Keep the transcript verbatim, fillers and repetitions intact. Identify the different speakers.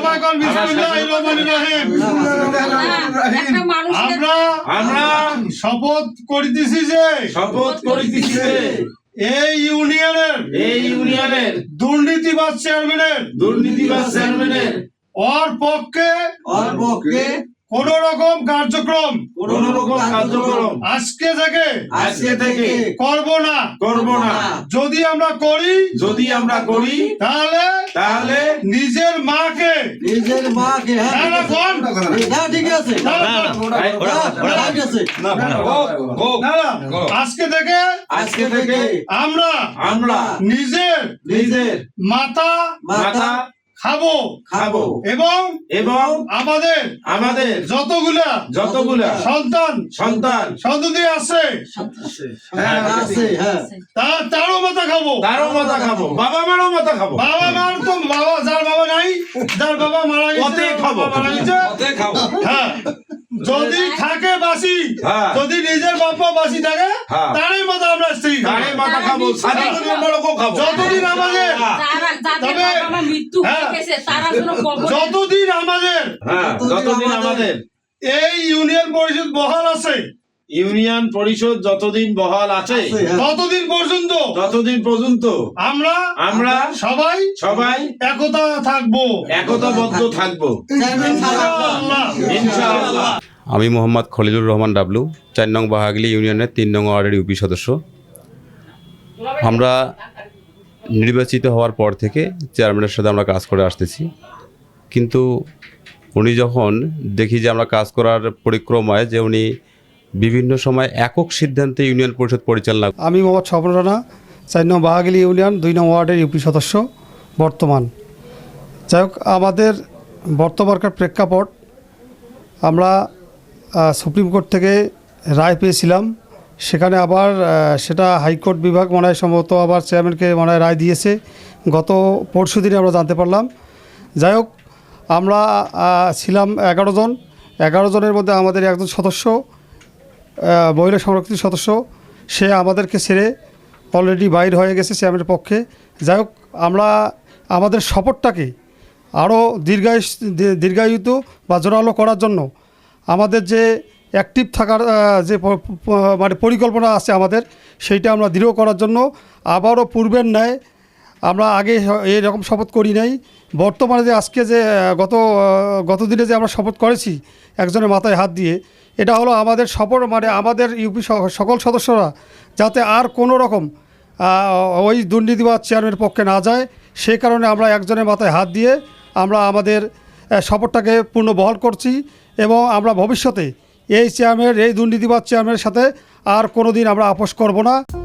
Speaker 1: সবাই কোন বিসমিল্লাহির রহমানির রহিম। আমরা
Speaker 2: আমরা
Speaker 1: শপথ করিতেছি যে
Speaker 2: শপথ করিতেছি যে
Speaker 1: এই ইউনিয়নের
Speaker 2: এই ইউনিয়নের
Speaker 1: দুর্নীতিবাজ চেয়ারম্যানের
Speaker 2: দুর্নীতিবাজ চেয়ারম্যানের
Speaker 1: ওর পক্ষে
Speaker 3: ওর পক্ষে
Speaker 1: কোন রকম কার্যক্রম
Speaker 2: কোন রকম কার্যক্রম
Speaker 1: আজকে থেকে
Speaker 2: আজকে থেকে
Speaker 1: করব না।
Speaker 2: করব না।
Speaker 1: যদি আমরা করি
Speaker 2: যদি আমরা করি
Speaker 1: তাহলে
Speaker 2: তাহলে
Speaker 1: নিজের মাকে
Speaker 3: নিজের মাকে
Speaker 1: না, না, কোন?
Speaker 3: না ঠিক আছে
Speaker 1: না, না,
Speaker 3: না, ঠিক আছে
Speaker 1: না, না, আজকে থেকে
Speaker 2: আজকে থেকে
Speaker 1: আমরা
Speaker 2: আমরা
Speaker 1: নিজের
Speaker 2: নিজের
Speaker 1: মাথা
Speaker 2: মাথা
Speaker 1: খাবো
Speaker 2: খাবো
Speaker 1: এবং
Speaker 2: এবং
Speaker 1: আমাদের
Speaker 2: আমাদের
Speaker 1: যতগুলা
Speaker 2: যতগুলা
Speaker 1: সন্তান
Speaker 2: সন্তান
Speaker 1: সন্ততি আছে
Speaker 3: হ্যাঁ আছে হ্যাঁ
Speaker 1: তা তারও মাথা খাবো,
Speaker 2: তারও মাথা খাবো, বাবা মারও মাথা খাবো।
Speaker 1: বাবা মার তো বাবা যার বাবা নাই, যার বাবা মারা গেছে,
Speaker 2: ওতে খাবো।
Speaker 1: বাবা মারা গেছে, হ্যাঁ যদি থাকে বাসি,
Speaker 2: হ্যাঁ।
Speaker 1: যদি নিজের বাবা বাসি থাকে
Speaker 2: হ্যাঁ।
Speaker 1: তারই মাথা আমরা স্ত্রী
Speaker 2: তারে মাথা খাবো, সাথে বড়কও খাবো।
Speaker 1: যতদিন আমাদের তবে হ্যাঁ, যতদিন আমাদের
Speaker 2: হ্যাঁ, যতদিন আমাদের
Speaker 1: এই ইউনিয়ন পরিষদ বহাল আছে,
Speaker 2: ইউনিয়ন পরিষদ যতদিন বহাল আছে
Speaker 1: ততদিন পর্যন্ত
Speaker 2: ততদিন পর্যন্ত
Speaker 1: আমরা
Speaker 2: আমরা
Speaker 1: সবাই
Speaker 2: সবাই
Speaker 1: একতা থাকবো,
Speaker 2: একতাবদ্ধ থাকবো
Speaker 1: ইনশাআল্লাহ।
Speaker 2: ইনশাআল্লাহ।
Speaker 4: আমি মোহাম্মদ খলিলুর রহমান ডাবলু, চার নং বাহাগলি ইউনিয়নের তিন নং ওয়ার্ডের ইউপি সদস্য। আমরা নির্বাচিত হওয়ার পর থেকে চেয়ারম্যানের সাথে আমরা কাজ করে আসতেছি, কিন্তু উনি যখন দেখি যে আমরা কাজ করার পরিক্রমায় যে উনি বিভিন্ন সময় একক সিদ্ধান্তে ইউনিয়ন পরিষদ পরিচালনা।
Speaker 5: আমি মোহাম্মদ স্বপন রানা, চার নং বাহাগলি ইউনিয়ন দুই নং ওয়ার্ডের ইউপি সদস্য বর্তমান। যাই হোক, আমাদের বর্তমানকার প্রেক্ষাপট, আমরা আহ, সুপ্রিম কোর্ট থেকে রায় পেয়েছিলাম, সেখানে আবার আহ, সেটা হাইকোর্ট বিভাগ মনে হয় সম্ভবত আবার চেয়ারম্যানকে মনে হয় রায় দিয়েছে, গত পরশু দিনে আমরা জানতে পারলাম। যাই হোক, আমরা আহ, ছিলাম এগারো জন, এগারো জনের মধ্যে আমাদের একজন সদস্য আহ, মহিলা সংরক্ষিত সদস্য, সে আমাদেরকে ছেড়ে অলরেডি বাইর হয়ে গেছে চেয়ারম্যানের পক্ষে। যাই হোক, আমরা আমাদের শপথটাকে আরও দীর্ঘায়ু দীর্ঘায়িত বা জোরালো করার জন্য আমাদের যে অ্যাক্টিভ থাকার আহ, যে প- প- মানে পরিকল্পনা আছে আমাদের, সেইটা আমরা দৃঢ় করার জন্য আবারও পূর্বের ন্যায় আমরা আগে এরকম শপথ করি নাই। বর্তমানে যে আজকে যে আহ, গত আহ, গত দিনে যে আমরা শপথ করেছি একজনের মাথায় হাত দিয়ে, এটা হলো আমাদের শপথ, মানে আমাদের ইউপি সকল সদস্যরা যাতে আর কোনো রকম আহ, ওই দুর্নীতিবাদ চেয়ারম্যানের পক্ষে না যায়, সেই কারণে আমরা একজনের মাথায় হাত দিয়ে আমরা আমাদের আহ, শপথটাকে পূর্ণ বহাল করছি এবং আমরা ভবিষ্যতে এই চেয়ারম্যানের এই দুর্নীতিবাদ চেয়ারম্যানের সাথে আর কোনো দিন আমরা আপোষ করব না।